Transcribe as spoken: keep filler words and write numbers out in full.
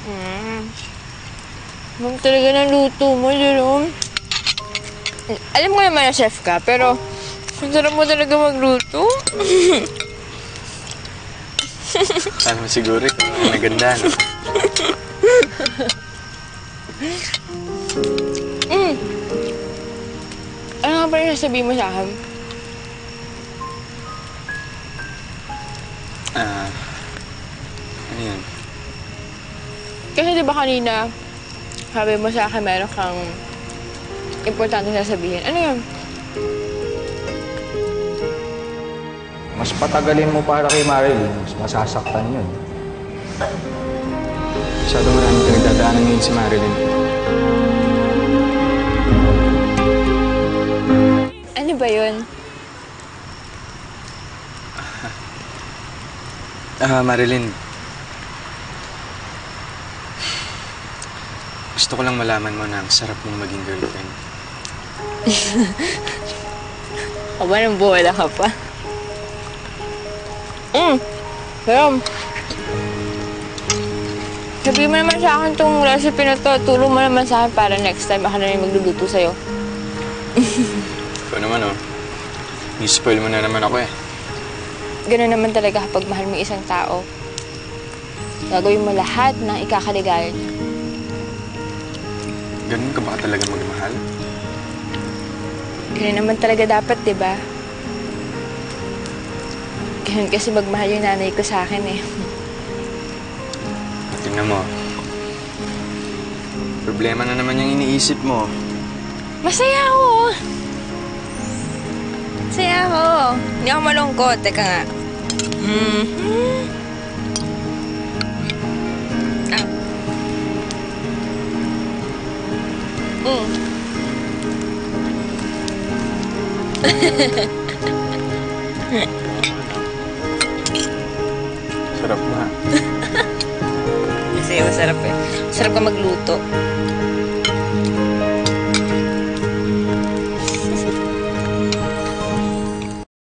Mm. Ma'am talaga ng luto mo, Jerome. Alam ko naman na chef ka, pero ang sarap mo talaga magluto. Alam mo siguro ito, ang naganda, no? Mm. Ano nga ba yung nasabihin mo sa akin? Ah, ano yun? Kasi di ba kanina, sabi mo sa akin meron kang importante sasabihin. Ano yun? Mas patagalin mo para kay Marilyn, mas masasaktan yun. Masyado maraming pinagdadaanan ngayon si Marilyn. Ano ba yun? Ah, Marilyn. Gusto ko lang malaman mo na ang sarap mong maging girlfriend. Aba, nang buwala ka pa. Mm. Pero, sabihin mo naman sa akin itong recipe na to. Tulong mo naman sa akin para next time ako na rin magluluto sa'yo. Ikaw naman, oh. I-spoil mo na naman ako, eh. Ganun naman talaga kapag mahal mo isang tao. Gagawin mo lahat ng ikakaligayan niya. Ganun ka ba talaga magmahal? Ganun naman talaga dapat, di ba? Ganun kasi magmahal yung nanay ko sa akin, eh. Tingnan mo. Problema na naman yung iniisip mo. Masaya ako! Masaya ako. Hindi ako malungkot. Teka nga. Mm-hmm. Ah. Mm. Sarap na. Kasi masarap eh. Masarap ka magluto.